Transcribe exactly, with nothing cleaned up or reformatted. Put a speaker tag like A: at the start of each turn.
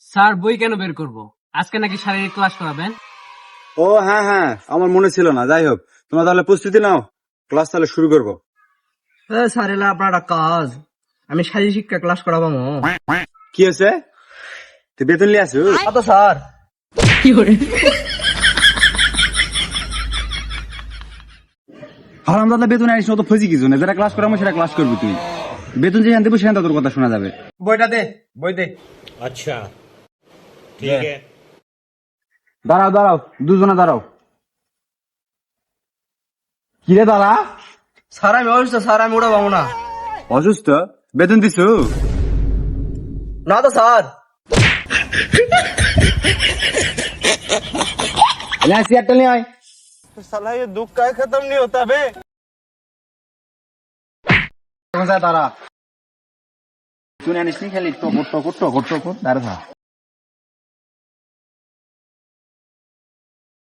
A: Sir বই কেন বের করব? আজকে নাকি শারীরিক ক্লাস করাবেন।
B: ও হ্যাঁ হ্যাঁ, আমার মনে ছিল না। যাই হোক, তোমরা তাহলে প্রস্তুতি নাও, ক্লাস তাহলে শুরু করবো।
C: স্যার এলা আপনার একটা কাজ, আমি শারীরিক শিক্ষা ক্লাস করাবো।
B: কি হয়েছে? তুই বেতন লিয়ে আসু?
C: তো স্যার
B: হারাম দাদা, বেতন আসিস তো ফজি কিছু না, যেটা ক্লাস করাবো সেটা ক্লাস করবি তুই। বেতন যেখান দেবো সেখান তোর কথা শোনা যাবে।
C: বইটা দে, বই দে।
D: अच्छा ठीक है।
B: দাঁড়াও দাঁড়াও, দুজনে দাঁড়াও। কিরে দাঁড়া?
C: স্যার আমি অসুস্থ, স্যার আমি ওটা পাবো না।
B: অসুস্থ? বেতন দিছু?
C: না তো স্যার।
B: সিয়ারটা নিয়ে আয়।
C: साला ये दुख का खत्म नहीं होता बे।
B: দাঁড়া, শুনে আনিস নি খালি টকর টকর টকর টকর দাঁড়া।